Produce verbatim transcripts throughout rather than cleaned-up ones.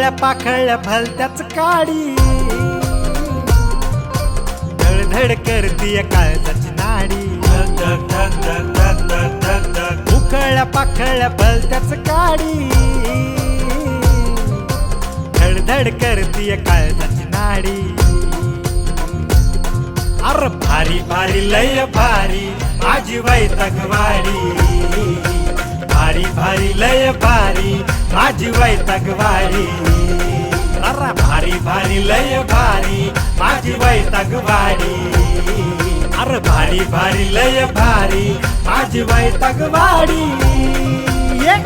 उकळल्या पाखळल्या भलत्याच काडी धडधड करतीय काळजाची नाडी उकळल्या पाखळल्या भलत्याच काडी धडधड करतीय काळजाची नाडी अर भारी भारी लय भारी माझी वैतागवाडी भारी भारी लय भारी माझी वैतागवाडी अरे भारी भारी लय भारी माझी वैतागवाडी अरे भारी भारी लय भारी माझी वैतागवाडी ये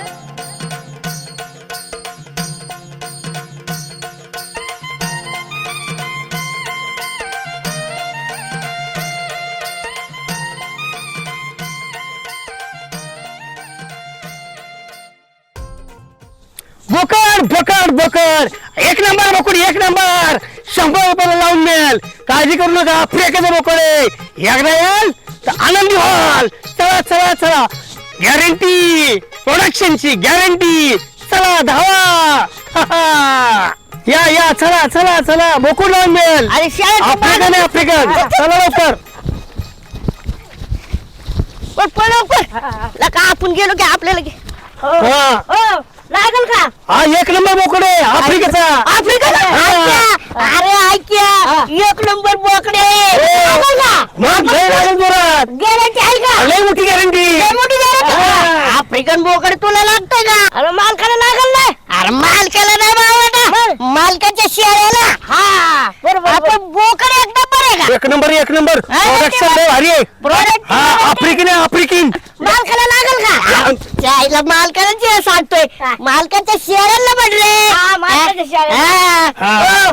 बोकड बोकड बोकड एक नंबर बोकड एक नंबर शंभर रुपयाला लावून मिळेल काळजी करू नका फ्रेकाचं बोकड आहे एकदा याल तर आनंदी व्हाल चला चला चला गॅरंटी प्रोडक्शनची गॅरंटी चला धावा या या चला चला चला बोकड लावून मिळेल अरे शाळेत आफ्रिकन आहे आफ्रिकन चला लवकर पण पण लवकर लका आपण गेलो की आपल्याला घे हा हो लागल का हा एक नंबर बोकड आहे आफ्रिकेचा आफ्रिकेचा हा. अरे ऐक्या एक नंबर बोकडे लागल का मग लय लागेल जोरात गॅरंटी आहे का लय मोठी गॅरंटी लय मोठी गॅरंटी आफ्रिकन बोकड तुला लागतंय का अरे मालकाला लागल नाही अरे मालकाला नाही बाबा मालकाच्या शेळ्याला हा बरोबर आपण बोकड एक नंबर आहे का एक नंबर एक नंबर प्रोडक्शन लय भारी आहे प्रोडक्ट हा आफ्रिकन आहे आफ्रिकन मालकाला लागल का त्याला मालकाला जे सांगतोय मालकाच्या शेळ्याला म्हटले हा.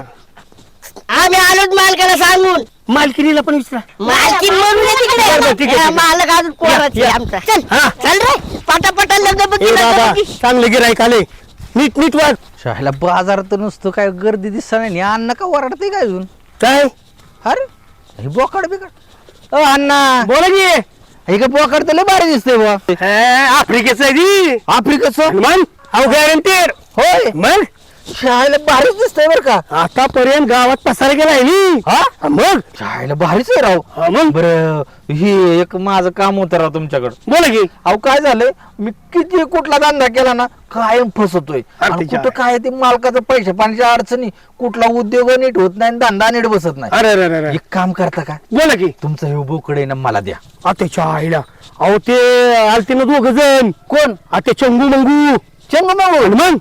आम्ही आलोच मालकाला सांगून मालकिनीला पण विचारा मालकी म्हणून ये बरं, बरं, ठीक तिकडे आहे, हा, ठीक आहे. मालक अजून कोणाच या, या. आमचा चल हा. चल रे पटापटा लग्न बघ ए बाबा चांगले गिराईक आले नीट नीट वाग शाळेला बाजारात तर नुसतं काय गर्दी दिसत नाही अन्न का वरडते काय अजून काय अरे हे बोकाड बिकड अ अण्णा बोला की हे का बोकाड तर लय भारी दिसतंय बुवा हे, आफ्रिकेचं आहे ती आफ्रिकेचं मग अहो गॅरंटेड होय मग शाळेला भारीच दिसतंय बरं का आतापर्यंत गावात पसार केलाय मी हा मग शाळेला भारीच आहे राव हा, मग बरं हे एक माझं काम होतं राव तुमच्याकडं बोला की अहो काय झालंय मी किती कुठला धंदा केला ना कायम फसवतोय अरे आणि तिच्या कुठं काय ते मालकाचं पैसे पाण्याच्या अडचणी कुठला उद्योग नीट होत नाही आणि धंदा नीट बसत नाही अरे अरे अरे एक काम करता का बोला की तुमचं हे बोकडे ना मला द्या आत्याच्या आईला अहो ते आलते ना दोघ जण कोण आता चंगू मंगू चंग मग मग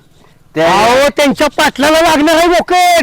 अहो त्यांच्या पाटलाला लागणार आहे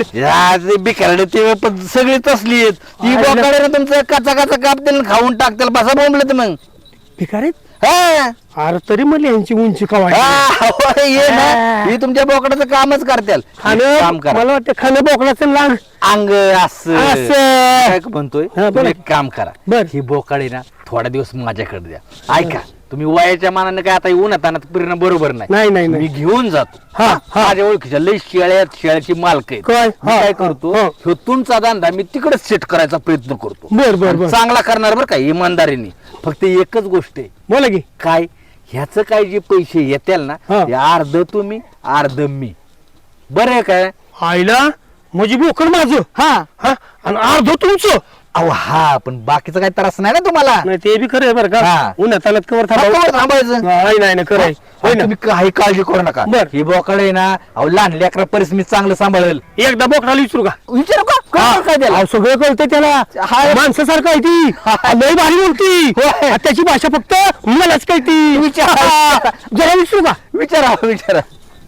बोकड बिकारडे ते पण सगळी तसली आहेत ती अरे बोकडे ना तुमचं काचा काचा कापतील खाऊन टाकतील बसा बोंबलं मग भिकारीत हा अरे तरी म्हणले यांची उंची का वाढली? हा, होय, ये ना ही तुमच्या बोकडाचं कामच करतील खाणं काम करा मला वाटतं खाणं बोकडाचं लाग अंग असं असं. काय म्हणतोय हा, बोला. तुम्ही एक काम करा बर. ही बोकाडे ना थोडा दिवस माझ्याकडे द्या ऐका तुम्ही वयाच्या मानाने काय आता उन्हात आणत फिरणं बरोबर नाही, नाही नाही, मी नाही. घेऊन जातो हा, हा. माझ्या ओळखीच्या लई शेळ्यात शेळ्याची मालक आहेत काय? मी हा, काय हा, करतो हा. ह्यो तुमचा धंदा मी तिकडेच सेट करायचा प्रयत्न करतो बर बर आणि बर चांगला करणार बरं का इमानदारीने फक्त एकच गोष्ट आहे बोला की काय ह्याच काय जे पैसे येतील ना हा. ते अर्ध तुम्ही अर्ध मी बरं आहे काय आईला म्हणजे बोकड माझं हा हा आणि अर्ध तुमचं अहो हा पण बाकीचा काही त्रास नाही ना तुम्हाला नाही ते बी खरं आहे बरं का हा. उन्हात आलात कवर हा, थांबावं कवर थांबायचं नाही नाही नाही खरं आहे होय आणि ना तुम्ही काही काळजी करू नका बर. ही बोकड आहे ना अहो लहान लेकरा परिस मी चांगलं सांभाळेल एकदा बोकडाला विचारू का विचारू का हा. कळतं काय त्याला अहो, सगळं कळतंय त्याला हा. माणसासारखं आहे ती लय भारी बोलती होय. आणि त्याची भाषा फक्त मलाच कळती विचार. हा. जरा विचारू का विचारा विचारा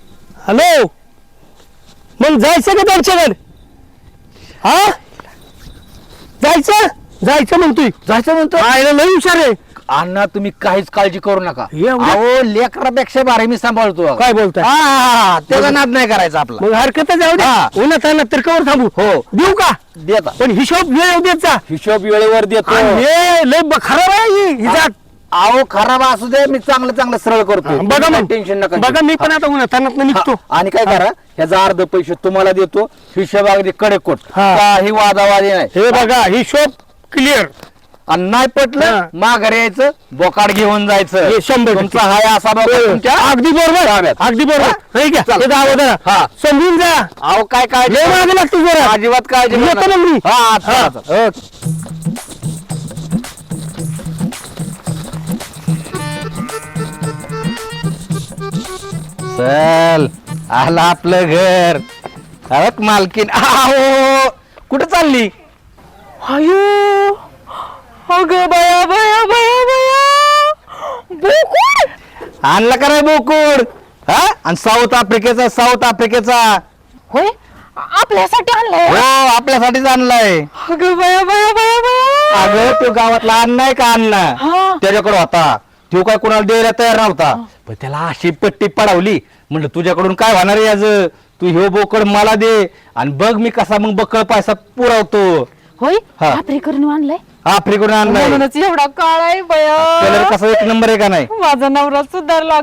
हॅलो मग जायचं का त्यांच्याकडे हा जायचं जायचं म्हणतोय जायचं म्हणतो आयला लय हुशार आहे अण्णा तुम्ही काहीच काळजी करू नका एवढं? अहो लेकरापेक्षा भारी मी सांभाळतो काय बोलताय? हा, हा, हा. त्याचा नाद नाही करायचा आपला मग हरकत जाऊ दे हा. उन्हात आणत तर कवर थांबू हो. देऊ का देता पण हिशोब वेळ देत जा हिशोब वेळेवर देतो आणि हे लय ब- खराब आहे ही- ही जात अहो खराब असू दे मी चांगलं चांगलं सरळ करतो बघा मग टेन्शन नका बघा घेऊ. मी पण आता उन्हात आणत निघतो हा, आणि काय करा ह्याचा अर्ध पैसे तुम्हाला देतो हिशोब अगदी कडे कोट हा. काही वादावादी नाही हे बघा हिशोब क्लिअर आणि नाही पटलं हा. माघारी यायचं बोकाड घेऊन जायचं हे शंभर टक्के. तुमचा हाय असा बोकाड तुमच्या अगदी बरोबर ताब्यात. अगदी बरोबर नाही का? चल. हे जावं जरा. हा. समजून जा अहो काय काळजी लय मागे लागतो जरा अजिबात काळजी येतो करू नका. मग मी. हा चला, हा. चला. चल आलं आपलं घर अवक मालकीन आहो कुठं चालली अयो अगं बया बया बया बया बोकुड आणला का नाही बोकुड हा आणि साऊथ आफ्रिकेचा साऊथ आफ्रिकेचा होय आपल्यासाठी आणलंय हो आपल्यासाठीच आणलाय अगं बया बया बया बया अगं तो गावातला अण्णा आहे का अण्णा हा. त्याच्याकडे होता तो काय कोणाला द्यायला तयार नव्हता पण त्याला अशी पट्टी पडवली म्हणलं तुझ्याकडून काय होणार आहे याच तू ह्यो बोकड मला दे आणि बघ मी कसा मग बकळ पैसा पुरवतो होय हा. आफ्रिकडून आणलंय आफ्रिकेकडून आणलाय म्हणूनच एवढा काळ आहे कलर बया कसा एक नंबर आहे का नाही माझा नवरा सुधारला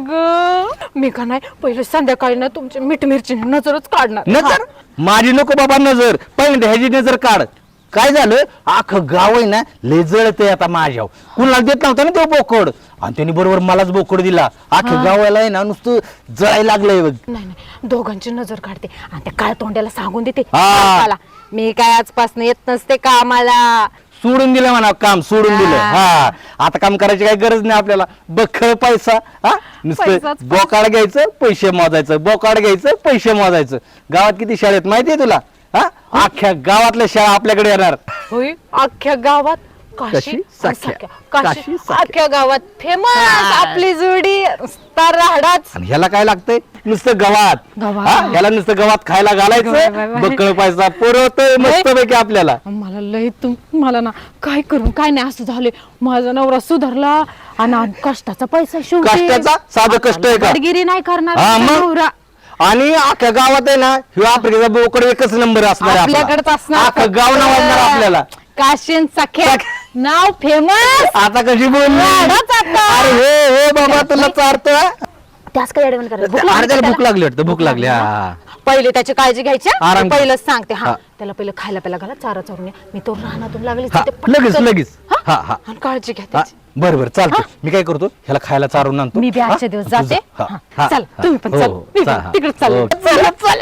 ग मी का नाही पहिले संध्याकाळी ना तुमची मीठ मिरची नजरच काढणार नजर माझी नको बाबा नजर पहिल्यांदा ह्याची नजर काढ काय झालं अख्खं गाव आहे ना लय जळतंय आता माझ्या कुणाला देत नव्हता ना तो बोकड आणि त्यांनी बरोबर मलाच बोकड दिला अख्ख्या गावाला आहे ना नुसतं जळायला लागलंय बघ नाही नाही दोघांची नजर काढते आणि त्या काळ तोंड्याला सांगून देते हा. मला मी काय आजपासून येत नसते कामाला सोडून दिलं म्हणा काम सोडून दिलं हा. हा आता काम करायची काही गरज नाही आपल्याला बखळ पैसा हा नुसतं पैसाच बोकाड घ्यायचं पैसे मोजायचं बोकाड घ्यायचं पैसे मोजायचं गावात किती शाळेत माहितीये तुला हा अख्ख्या गावातल्या शाळा आपल्याकडे येणार होय अख्ख्या गावात काशी काशी, आणि साख्या. साख्या. काशी काशी, साख्या. अख्ख्या गावात फेमस आपली जोडी नुसता राहडाच आणि ह्याला काय लागतंय नुसतं गवात गवात. हा? ह्याला नुसतं गवात खायला बाय, बाय, घालायचं बाय. बक्कळ पैसा पुरवतोय मस्त पैकी आपल्याला मला लय तुम मला ना काय करून काय नाही असं झाले माझा नवरा सुधारला आणि आज कष्टाचा पैसा शेवटी कष्टाचा? साधं कष्ट आहे का? बडगिरी नाही करणार हा, माझा मग? नवरा आणि अख्ख्या गावात आहे ना ह्यो आफ्रिकेचा बोकड एकच नंबर असणार आहे आपला. आपल्याकडेच असणार अख्खं गाव नावाजणार आपल्याला काशीन सख्या नाव फेमस आता कशी बोलली वाढच आता. अरे हो हो बाबा तुला चारतो त्याच काय ऍडवण करायला भूक अरे लागली त्याला का भूक लागली वाटतं भूक लागली त्याला? हा पहिले त्याची काळजी घ्यायची हा. आराम मी कर. पहिलंच सांगते हा हा. त्याला पहिलं खायला प्यायला घाला चारा चारून ये. मी तो रानातून लागली हा, तिथे पटकन- लगेच, लगेच. हा? हा, हा. आणि काळजी घ्या हा, त्याची. बरं बरं चालतं मी काय करतो ह्याला खायला चारून आणतो मी बी हा? आजच्या दिवस तू जा. जाते हा, हा. हा, चल हा. तुम्ही पण हो, चल हो, मी चा- पण हा. तिकडे चाल ओके. चला चला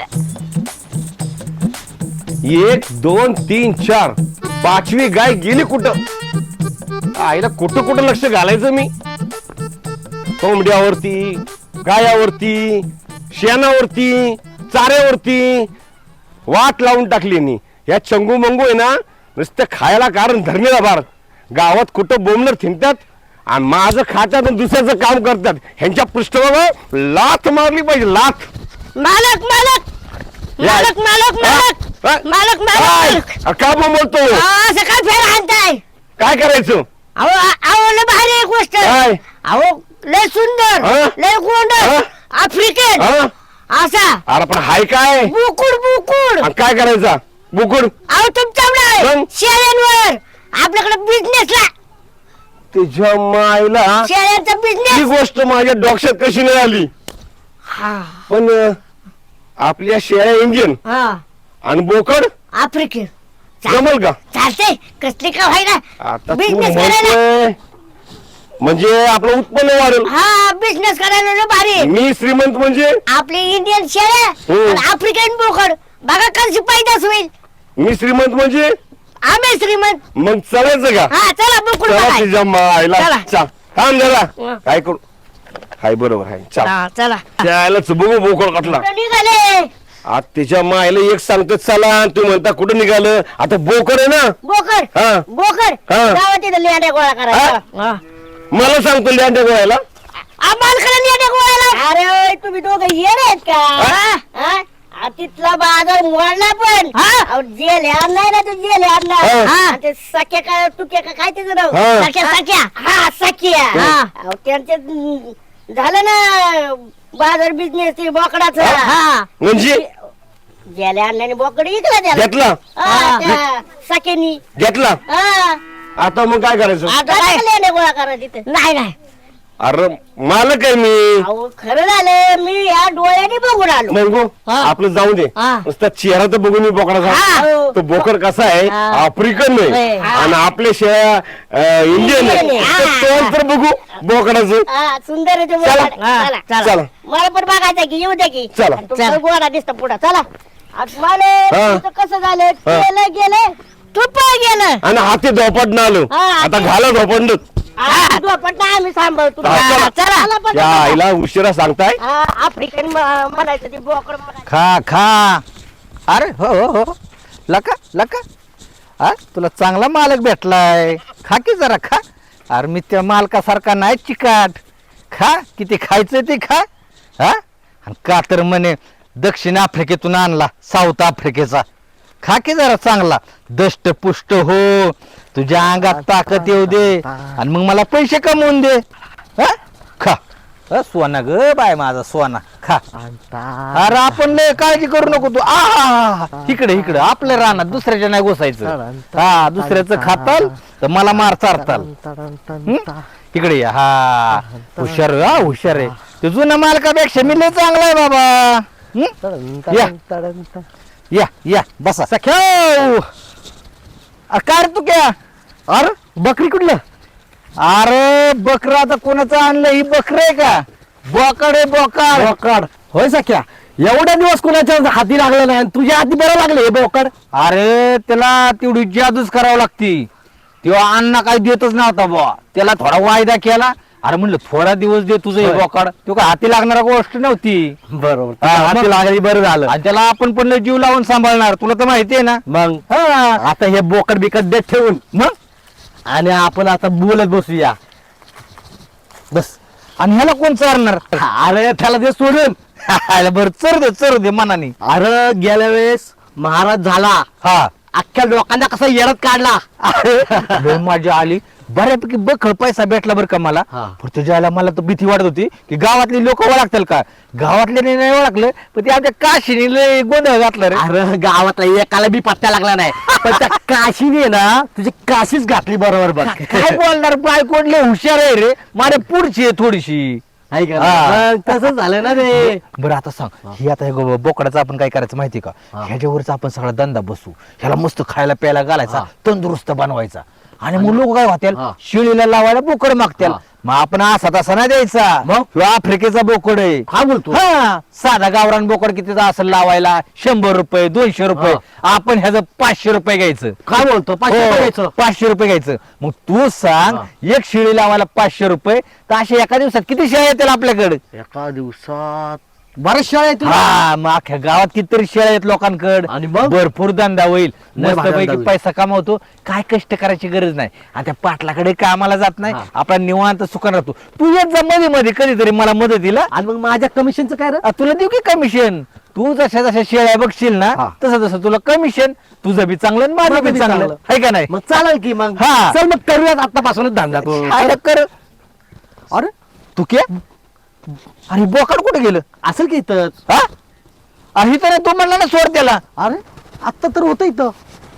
एक दोन तीन चार पाचवी गाय गेली कुठं आईला कुठं कुठं लक्ष घालायचं मी कोंबड्यावरती गायावरती शेणावरती चाऱ्यावरती वाट लावून टाकली नी या चंगू मंगू आहे ना नुसतं खायला कारण धरणीला बार गावात कुठं बोंबलर थिंकतात आणि माझं खात्यात आणि दुसऱ्याचं काम करतात ह्यांच्या पृष्ठभागावर लाथ मारली पाहिजे लाथ मालक मालक मालक मालक मालक हा? मालक काय? मालक अरे का बोलतो असं काय फेर आणताय काय करायचं अहो अहो लय भारी एक गोष्ट काय? अहो लय सुंदर हा? लय गोंड हा? आफ्रिकन हा? असा अरे पण हाय काय बुकुड बुकुड आणि काय करायचा बुकुड अहो तुमच्याकडे मग? शेळ्यांवर आपल्याकडे बिझनेसला तुझ्या मायला शेळ्यांचा ही बिझनेस गोष्ट माझ्या डोक्यात कशी नाही आली हा पण अं, आपल्या शेळ्या इंजिन हा आणि बोकड आफ्रिकन जमल का चालते कसली का व्हायना आता तू बिझनेस करायला म्हणतोय म्हणजे आपलं उत्पन्न वाढेल हा बिझनेस करायला लय भारी मी श्रीमंत म्हणजे आपली इंडियन शेळ्या हम्म. आणि आफ्रिकन बोकड बघा कशी पैदास होईल मी श्रीमंत म्हणजे आम्ही श्रीमंत मग चालायचं का हा चला बोकड चला बघाय. तुझ्या मायला चला. चा थांब जरा हा. काय करू हाय बरोबर आहे चाल हा, चला त्याला बघू बोकड कटला कुठं निघाले आज तिच्या मायला एक सांगतो चला आणि तू म्हणता कुठं निघालं आता बोकड आहे ना बोकड हा. बोकड हा. गावात तिथं लेंड्या गोळा करायचा हा. मला सांगतो लिहांड्या गोळ्याला आम्हाला लेंड्या गोळाला अरे तुम्ही दोघं येणार आहेत का हा? हा? आ, तिथला बाजार मोडला पण अहो, जेल आणलाय ना तू जेल हा. आणला ते सख्या काय तुक्या का काय त्याचं नाव हा. सख्या सख्या हा सख्या अहो, त्यांचे हम्म, झालं ना बाजार बिझनेस ते बोकडाचं हा म्हणजे जेल आणल्याने बोकड विकला त्याला घेतला हा, त्या सख्यानी घेतला हा आता मग काय करायचं आता काय लेंड्या गोळा करा तिथे नाही नाही अरे मालक आहे मी अहो खरं झालं मी या डोळ्याने बघून आलो मंगू हा. आपलं जाऊ दे हा. नुसता चेहरा तर बघून मी बोकडाचा हा. तो बोकड कसा आहे हा. आफ्रिकन आहे होय. हा. आणि आपल्या शेळ्या इंडियन आहे इंडियन आहे. तर तोंड तर बघू बोकडाचं हा, सुंदर आहे ते चला. बोकड. चला चला. चला मला पण बघायचं की येऊ दे की चला. आणि तुमचं गोरा दिसतं पुढं चला आज मला हा. तुमचं कसं झालं हा. गेलं गेलं तुप गेलं आणि हाती धोपट आलो हा, आता हाती- घाला धोपट आ, दुपट नाही आम्ही सांभाळतो हा, चला. चला पण त्या आईला उशिरा सांगताय हा, आफ्रिकन म- म्हणायचं ते बोकड म्हणायचं खा खा अरे हो हो हो लका लका हा तुला चांगला मालक भेटलाय खा की जरा खा अरे मी त्या मालकासारखा नाही चिकाट खा किती खायचं ते खा हा आणि का तर म्हणे दक्षिण आफ्रिकेतून आणला साऊथ आफ्रिकेचा खा की जरा चांगला दष्ट पुष्ट हो तुझ्या अंगात ताकद येऊ दे आणि मग मला पैसे कमवून दे हा खा अ, सोना ग बाय माझा सोना खा अरे आपण लय काळजी करू नको तू आ इकडे इकडे आपल्या रानात दुसऱ्याच्या नाही घुसायचं हा दुसऱ्याचं खाताल तर मला मार चारताल हं? इकडे या हा हुशार हा हुशार आहे ते जुना मालकापेक्षा मी लय चांगला आहे बाबा हं? या या या बसा सख्या काय रे तू क्या अरे बकरी कुठलं अरे बकरं आता कोणाचं आणलं ही बकरं आहे का बोकड आहे बोकड बोकड होय सख्या एवढ्या दिवस कुणाच्या हाती लागलं नाही आणि तुझ्या हाती बरं लागले हे बोकड अरे त्याला तेवढी जादूच करावं लागती तेव्हा अण्णा काही देतच नव्हता बुवा त्याला थोडा वायदा केला अरे म्हणलं थोडा दिवस दे तुझं हे होय. बोकड तो काय हाती लागणारा गोष्ट नव्हती बरोबर हा, हाती मग- लागली बरं झालं आणि त्याला आपण पण लय जीव लावून सांभाळणार तुला तर माहितीये ना मग हा आता हे बोकड बिकट देत ठेवून मग आणि आपण आता बोलत बसूया बस आणि ह्याला कोण चारणार अरे त्याला ते सोडून बरं चर दे चर दे मनाने अरे गेल्या वेळेस महाराज झाला हा अख्ख्या लोकांना कसा येडत काढला लय मजा आली बऱ्यापैकी बखळ पैसा भेटला बरं का मला हा. पण तुझ्या आला मला तर भीती वाटत होती की गावातली लोक ओळखतील का गावातले नाही ओळखलं पण ते आमच्या काशीने लय गोंधळ घातला रे अरे गावातला एकाला बी पत्ता लागला नाही पण त्या काशीने ना तुझी काशीच घातली बरोबर बघ काय बोलणार बायकोड लय हुशार आहे रे माझ्या पुढची आहे थोडीशी आहे का हा. मग तसंच झालं ना ते बरं आता सांग ही आता हे गो- बोकडाचं आपण काय करायचं माहिती का ह्याच्यावरच आपण सगळा धंदा बसू ह्याला मस्त खायला प्यायला घालायचा तंदुरुस्त बनवायचा आणि मग लोक काय होतील हा. शिळीला लावायला बोकड मागतील हा. मग आपण असा तसा नाही द्यायचा मग? ह्यो आफ्रिकेचा बोकड आहे काय बोलतो हा साधा गावरान बोकड कितीचा असेल लावायला शंभर रुपये दोनशे रुपये आपण ह्याचं पाचशे रुपये घ्यायचं काय बोलतो पाचशे हो, रुपये घ्यायचं? पाचशे रुपये घ्यायचं मग तू सांग एक शिळी लावायला पाचशे रुपये तर अशा एका दिवसात किती शेळ्या येतील आपल्याकडे एका दिवसात बऱ्याच शाळा आहेत हा मग अख्ख्या गावात कितीतरी शेळ्या आहेत लोकांकडे आणि मग? भरपूर धंदा होईल लय भारी धंदा मस्तपैकी होईल. पैसा कमावतो काय कष्ट करायची गरज नाही आणि त्या पाटलाकडे कामाला जात नाही हा. आपला निवांत सुखान राहतो तू येत जा मध्ये मध्ये कधीतरी मला मदतीला आणि मग माझ्या कमिशनचं काय रे आ, तुला देऊ की कमिशन तू जशा जशा शेळ्या बघशील ना हा. तसं तसं तुला कमिशन तुझं बी चांगलं आणि माझं बी चांगलं आहे का नाही मग चालेल की मग हा. चल मग करूयात आतापासूनच धंदा तो काय कर अरे तू के अरे बोकड कुठे गेलं असेल की इथं हा अरे तर तू म्हणला ना सोड त्याला अरे आत्ता तर होतं इथं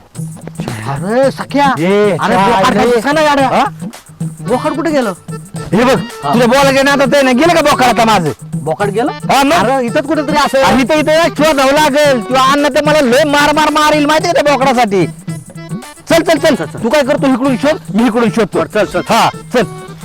अरे सख्या ये, अरे काय बोकाड रे? काय दिसेना गाड्या हा? बोकाड कुठे गेलं हे बघ तुझ्या बोला ना आता ते ना गेलं का बोकड आता माझं बोकाड गेलं हा मग अरे इथंच कुठेतरी असेल आणि तर इथे शोधावं लागेल किंवा अन्न ते मला लय मार मार मारील माहिती का त्या बोकडासाठी चल चल चल तू काय करतो इकडून शोध मी इकडून शोधतो चल, चल. हा चल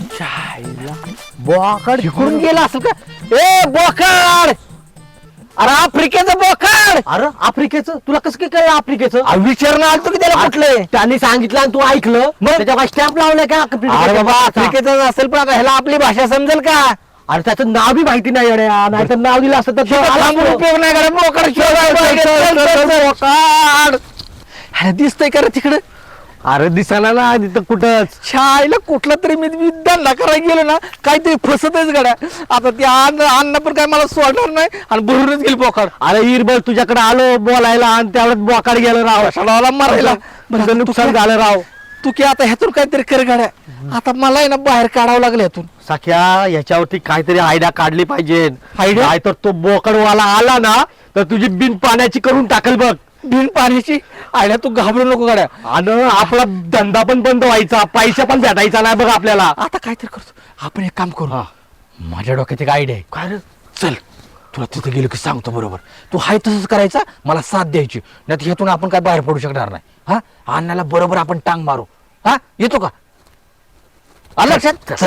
बोकाड इकडून गेला असेल का ए बोकड अरे आफ्रिकेचं बोकड अरे आफ्रिकेचं तुला कसं काय कळलं आफ्रिकेचं अरे विचारणं आलतो की त्याला कुठलंय त्यांनी सांगितलं आणि तू ऐकलं मग? त्याच्या स्टॅम्प लावलाय का अरे बाबा आफ्रिकेचं असेल पण आता ह्याला आपली भाषा समजेल का अरे त्याचं नाव बी माहिती नाही येड्या नाही तर नाव दिलं असतं तर तो आला लांबून असतो. उपयोग नाही करत बोकड शोधायला पाहिजे. चल, चल, चल, बोकड अरे दिसतंय का रे तिकडे अरे दिसायला ना तिथं कुठंच शाळेला कुठला तरी मी मी धंदा करायला गेलो ना काहीतरी फसतच गड्या आता ते अन्न अन्न पण काय मला सोडणार नाही आणि भरूनच गेल बोकड अरे इरबल तुझ्याकडे आलो बोलायला आणि त्यावेळेस बोकाड गेलं राव शाळाला मारायला तुझं नुकसान झालं राव तू की आता ह्यातून काहीतरी कर गाड्या आता मला आहे ना बाहेर काढावं लागलं ह्यातून सख्या याच्यावरती काहीतरी आयडिया काढली पाहिजे आयडिया? नाही तर तो बोकडवाला आला ना तर तुझी बिन पाण्याची करून टाकल बघ बिन पाण्याची आल्या तू घाबरू नको गाड्या. आणि आपला धंदा पण बंद व्हायचा, पैसा पण भेटायचा नाही बघ आपल्याला. आता काहीतरी करतो आपण, एक काम करू. माझ्या डोक्यात एक आयडिया आहे. काय रे? चल तुला तिथे गेलो की सांगतो बरोबर. तू हाय तसंच करायचा, मला साथ द्यायची, नाही तर ह्यातून आपण काय बाहेर पडू शकणार नाही. हा अण्णाला बरोबर आपण टांग मारू. हा येतो का? आलं लक्षात? चल.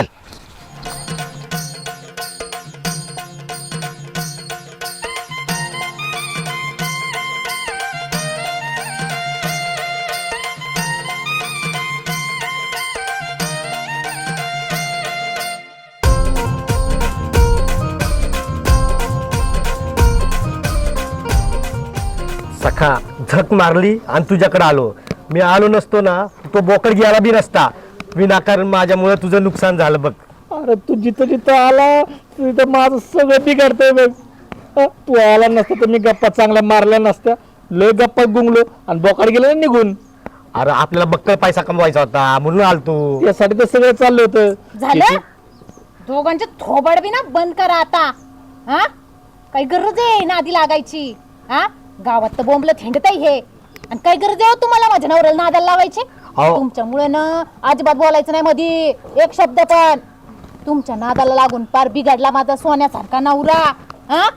सखा झक मारली आणि तुझ्याकडे आलो. मी आलो नसतो ना, तो बोकड गेला बी नसता. विनाकारण माझ्यामुळे तुझं नुकसान झालं बघ. अरे तू जिथं जिथं आला तिथं माझं सगळं बिघडतंय बघ. हा, तू आला नसता तर मी गप्पा चांगल्या मारल्या नसत्या. लय गप्पा गुंगलो आणि बोकाड गेलं ना निघून. अरे आपल्याला बक्कळ पैसा कमवायचा होता म्हणून आलतो. यासाठी तर सगळं चाललं होतं. झालं दोघांचे थोबाड बी ना बंद करा आता. हा काही गरज आहे ना आधी लागायची? हा गावात तर बोंबलं थेंडत आहे हे, आणि काय गरज आहे हो तुम्हाला माझ्या नवऱ्याला नादाला लावायची? तुमच्यामुळे ना अजिबात बोलायचं नाही मध्ये एक शब्द पण. तुमच्या नादाला लागून पार बिघडला माझा सोन्यासारखा नवरा. हा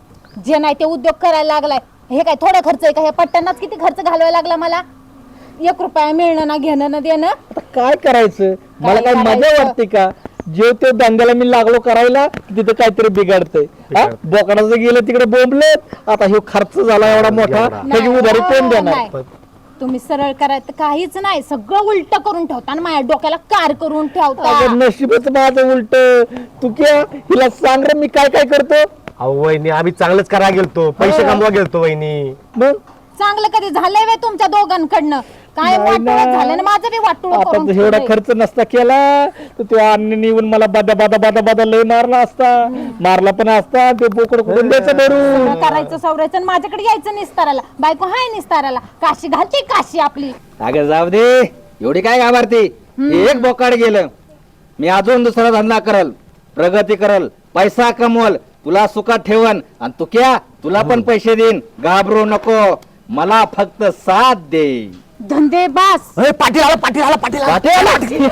जे नाही ते उद्योग करायला लागलाय. हे काय थोडा खर्च आहे का? हे पट्ट्यांनाच किती खर्च घालवायला लागला मला. एक रुपया मिळणं ना घेणं ना देणं. आता काय करायचं? मला काय मजा करायचं? वाटते का? जेव ते धंद्याला मी लागलो करायला तिथे काहीतरी बिघडतंय. हा? बोकडाचं गेलं तिकडे बोंबलेत. आता हे खर्च झाला एवढा मोठा, त्याची उधारी कोण देणार? नाही. तुम्ही सरळ करायचं काहीच नाही, सगळं उलट करून ठेवता आणि माझ्या डोक्याला कार करून ठेवता. अगं नशीबच माझं उलट. तू क्या हिला सांग रे मी काय काय करतो. अहो वहिनी, आम्ही चांगलंच करा गेलतो, पैसे कमवा गेलतो वहिनी. मग चांगलं कधी झालंय वे तुमच्या दोघांकडनं? काय नाही वाटोळं ना. झालं ना माझं बी वाटोळं आपण करून जर एवढा ठेवलंय. खर्च नसता केला तर तो अन्य येऊन मला बादा बादा बादा बादा लय मारला असता. मारला पण असता. ते बोकड कुठून द्यायचं धरून. सगळं करायचं सवरायचं आणि माझ्याकडे यायचं निस्ताराला. बायको हाय निस्ताराला, काशी घालते काशी आपली. अगं जाऊ दे, एवढी काय घाबरते? एक बोकाड गेलं, मी अजून दुसरा धंदा करल, प्रगती करल, पैसा कमवल, तुला सुखात ठेवन आणि तू क्या तुला पण पैसे देईन. घाबरू नको, मला फक्त साथ दे. धंदे बास. ए, पाटील आला, पाटील आला, पाटील आला. पाटील?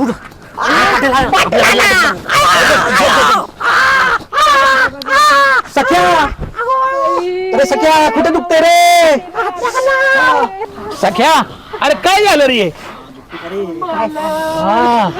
सख्या, अरे सख्या कुठे दुखते रे? सख्या, अरे काय झालं रे? हा.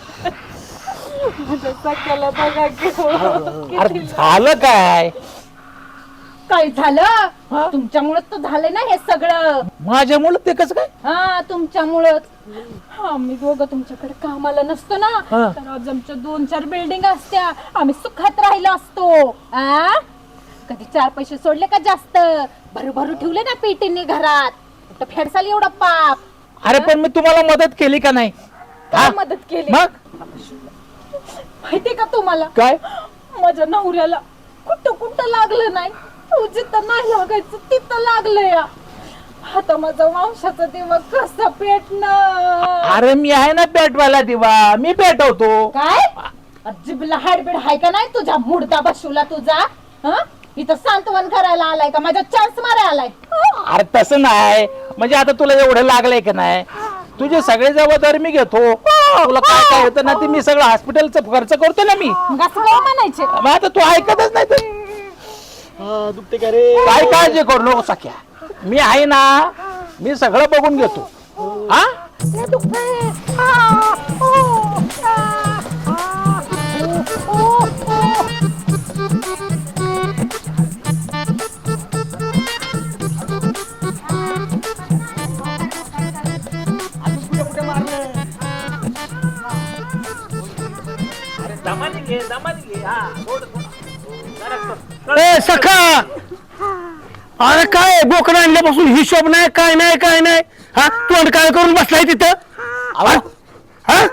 अरे झालं काय? काय झालं? तुमच्यामुळेच तर झालंय ना हे सगळं. माझ्यामुळे ते कसं काय? हा तुमच्यामुळेच. आम्ही दोघं तुमच्याकडे कामाला नसतो ना, तर आज आमच्या दोन चार बिल्डिंग असत्या, आम्ही सुखात राहिलो असतो. आ कधी चार पैसे सोडले का जास्त? भरू भरू ठेवले ना पेटींनी घरात. कुठं फेडसाल एवढा पाप? अरे पण मी तुम्हाला मदत केली का नाही? काय मदत केली? मग माहितीये का तुम्हाला काय? माझ्या नवऱ्याला कुठं कुठं लागलं नाही, तू जिथं नाही लागायचं तिथं लागलं या. आता माझा वंशाचा दिवा कसा पेटणार? अरे मी आहे ना पेटवायला दिवा, मी पेटवतो. काय जिबला हाडबीड हाय का नाही तुझ्या? मुडदा बसवला तुझा. हं? इथं सांत्वन करायला आलाय का? माझा चान्स मारायला आलाय? अरे तसं नाही, म्हणजे आता तुला एवढं लागलंय का नाही? तुझे सगळे जबाबदारी मी घेतो. तुला काय काय होतं ना ते मी सगळं हॉस्पिटलचा खर्च करतो ना मी. मग असं काय म्हणायचे? मग आता तू ऐकतच नाही तर काय काळजी करू नको सख्या, मी आहे ना, मी सगळं बघून घेतो. हा ए सखा, अरे काय बोकड आणल्यापासून हिशोब नाही, काय नाही काय नाही. हा तोंड काय करून बसलाय तिथं? हा? हा?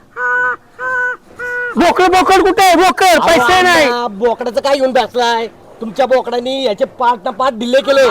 बोकड बोकड कुठे आहे? बोकड पैसे नाही. बोकडाचं काय येऊन बसलाय? तुमच्या बोकडानी याचे पाठ ना पाठ डिले केले.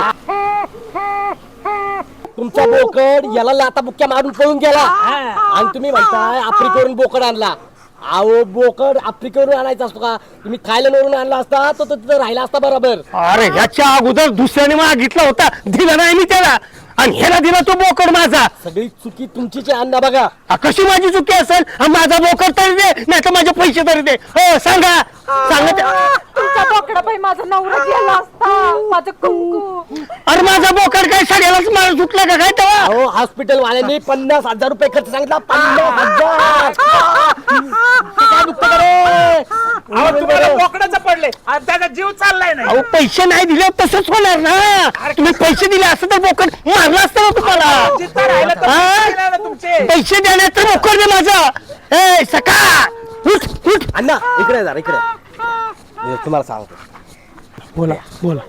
तुमचा बोकड याला लाता बुक्क्या मारून पळून गेला आणि तुम्ही म्हणताय आपरी करून बोकड आणला. अहो बोकड आफ्रिकेवरून आणायचा असतो का? तुम्ही थायलंडवरून आणला असता तर तो तिथं राहिला असता बरोबर. अरे ह्याच्या अगोदर दुसऱ्याने मागितला होता, दिला नाही मी त्याला, आणि ह्याला दिला तो बोकड माझा. सगळी चुकी तुमचीच आहे अण्णा बघा. आ, कशी माझी चुकी असेल? आ, माझा बोकड तरी दे, नाही तर माझे पैसे तरी दे. हो सांगा सांगा ते- तुमचा बोकडा बाई माझा नवरा गेला असता, माझं कुंकू. अरे माझा बोकड काय साड्यालाच मार सुटला का काय तेव्हा? अहो हॉस्पिटल वाल्यांनी पन्नास हजार रुपये खर्च सांगितला. पन्नास हजार ते काय दुखतं का रे? बोकडाचं पडले आणि त्याचा जीव चाललाय नाही. अहो पैसे नाही दिले तसंच होणार ना. तुम्ही पैसे दिले असं तर बोकड मारला असतं ना तुम्हाला. जिथं राहिलं तर हा? पैसे देणार ना तुमचे. पैसे देण्यात तर बोकड दे माझं. ए सका उठ उठ. अण्णा इकडे जा इकडे. मी तुम्हाला सांगतो. बोला बोला.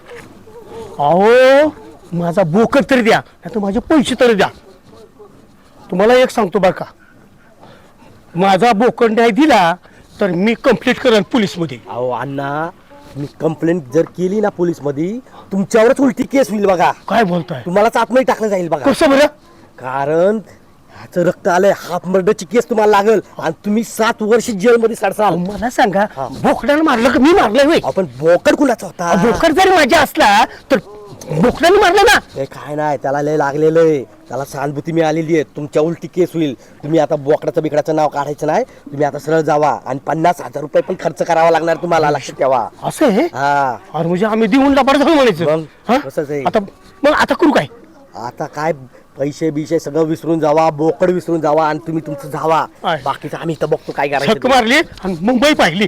अहो माझा बोकड तरी द्या, नाही तर माझे पैसे तरी द्या. तुम्हाला एक सांगतो बरं का, माझा बोकड नाही दिला तर मी कंप्लीट करेन पोलीस मध्ये. अहो अण्णा मी कंप्लेंट जर केली ना पोलीस मध्ये तुमच्यावरच उलटी केस होईल बघा. काय बोलताय? तुम्हालाच आतमध्ये टाकलं जाईल बघा. कसं बरं? कारण ह्याचं रक्त आलंय, हाफ मर्डरची केस तुम्हाला लागल आणि तुम्ही सात वर्ष जेलमध्ये सडसाल. मला सांगा, बोकडानं मारलं का मी मारलंय होय? आपण बोकड कुणाचा होता? बोकड जरी माझ्या असला तर बोकडाने मारलं ना. ते काय नाही, त्याला लय लागलेलं आहे, त्याला सहानुभूती मिळालेली आहे. तुमच्या उलटी केस होईल. तुम्ही आता बोकडाचं बिकडाचं नाव काढायचं नाही. तुम्ही आता सरळ जावा आणि पन्नास हजार रुपये पण खर्च करावा लागणार तुम्हाला, लक्षात ठेवा. असं आहे? हा अरे म्हणजे आम्ही देऊन लबाड झालो म्हणायचं. मग हा? तसंच आहे. आता मग आता करू काय? आता काय पैसे बिशे सगळं विसरून जावा, बोकड विसरून जावा आणि तुम्ही तुमचं जावा. आहे. बाकीचं आम्ही इथं बघतो काय छक करायचं. मारली आणि मुंबई पाहिली.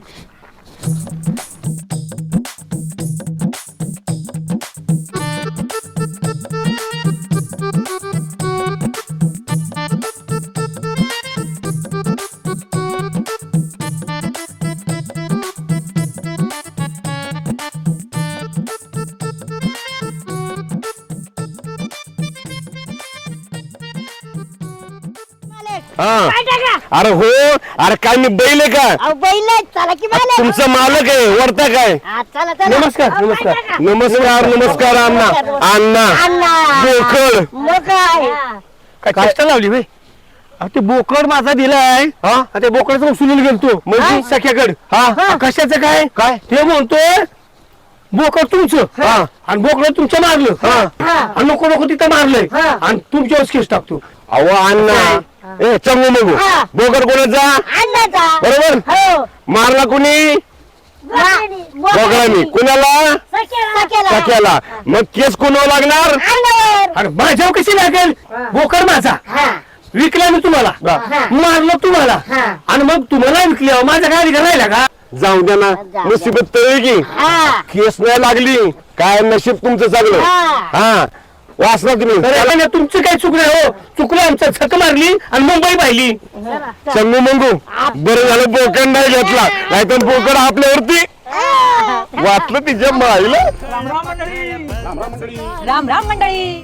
हा काय टाका? अरे हो, अरे काय मी बैल आहे का? अहो बैल आहेत, चला की बैल आहेत. तुमचा मालक आहे, वरता काय? हा, चला चला. नमस्कार, अहो, नमस्कार. काय टाका? नमस्कार नमस्कार अण्णा अण्णा अण्णा. बोकड. मग काय? काय कष्ट लावली भाई? ते बोकड माझा दिलाय, हा ते बोकडाचं उचलून गेलतो म्हणजे सख्याकड. हा कशाचं काय काय ते म्हणतोय बोकड तुमचं, हा. आणि बोकड तुमचं मारलं, हा. आणि नको नको तिथं मारलंय, आणि तुमच्यावर केस टाकतो. अहो अण्णा ए चंगू मगू हा. बोकड कोणाचा? अण्णाचा. बरोबर. हो. मारला कुणी? बोकडानी. कुणाला? सख्याला. सख्याला. मग केस कोणावर लागणार? अण्णावर. अरे माझ्यावर कशी लागेल? बोकड माझा हा. विकला मी तुम्हाला, मारलं तुम्हाला, आणि मग तुम्हाला विकल्यावर माझा काय अधिकार राहिला का? जाऊ द्या ना, मुसीबत तळी की हा. केस नाही लागली, काय नशीब तुमचं चांगलं. हा. हा वाचला तुम्ही. अरे नाही, तुमचं काही चुकलं हो, चुकलं आमचं. छक मारली आणि मुंबई पाहिली. चंगू मंगू बरं झालं बोकड नाही घेतला, नाही तर बोकड आपल्यावरती वाचलं तिच्या माईला. राम राम मंडळी. राम राम मंडळी.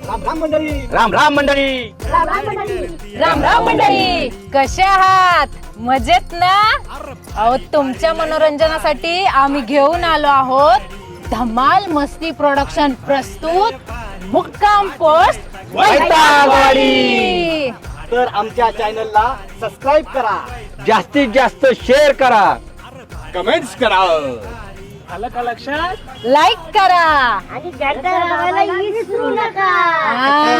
राम राम मंडळी. कसे आहात? मजेत ना? अहो तुमच्या मनोरंजनासाठी आम्ही घेऊन आलो आहोत धमाल मस्ती प्रोडक्शन प्रस्तुत मुक्काम पोस्ट वैतागवाडी. तर आमच्या चॅनलला सबस्क्राईब करा, जास्तीत जास्त शेअर करा. कमेंट्स करा. आलं का लक्षात? लाईक करा आणि घंटा लावायला विसरू नका. हा.